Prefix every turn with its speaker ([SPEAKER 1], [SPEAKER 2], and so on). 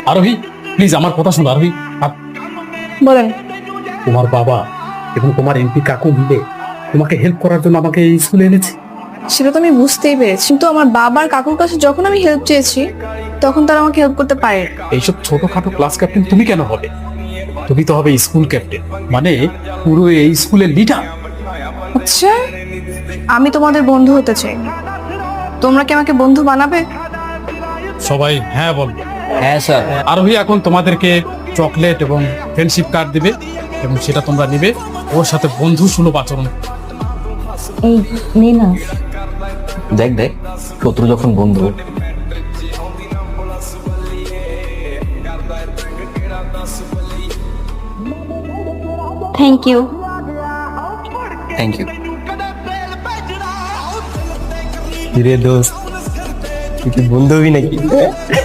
[SPEAKER 1] আরোহী প্লিজ আমার কথা শোনো আরোহী।
[SPEAKER 2] বলেন।
[SPEAKER 1] তোমার বাবা এবং তোমার এমপি কাকু মিলে তোমাকে হেল্প করার জন্য আমাকে এই স্কুলে এনেছে।
[SPEAKER 2] সেটা তো আমি বুঝতেই পেরেছি, কিন্তু আমার বাবার কাকুর কাছে যখন আমি হেল্প চেয়েছি তখন তারা আমাকে হেল্প করতে পারে।
[SPEAKER 1] এইসব ছোটখাটো ক্লাস ক্যাপ্টেন তুমি কেন হবে? তুমি তো হবে স্কুল ক্যাপ্টেন, মানে পুরো এই স্কুলের লিডার।
[SPEAKER 2] আচ্ছা, আমি তোমাদের বন্ধু হতে চাই, তোমরা কি আমাকে বন্ধু বানাবে?
[SPEAKER 1] সবাই হ্যাঁ বলবে।
[SPEAKER 3] হ্যাঁ স্যার।
[SPEAKER 1] আরোহী এখন তোমাদেরকে চকলেট এবং ফ্রেন্ডশিপ কার্ড দিবে এবং সেটা তোমরা নিবে, ওর সাথে বন্ধু সুলভ আচরণ।
[SPEAKER 4] এই নে না।
[SPEAKER 3] দেখ দেখ, শত্রু যখন বন্ধু।
[SPEAKER 4] Thank you.
[SPEAKER 3] Thank you. কিরে দোস্ত, তুই কি বন্ধু হবি নাকি?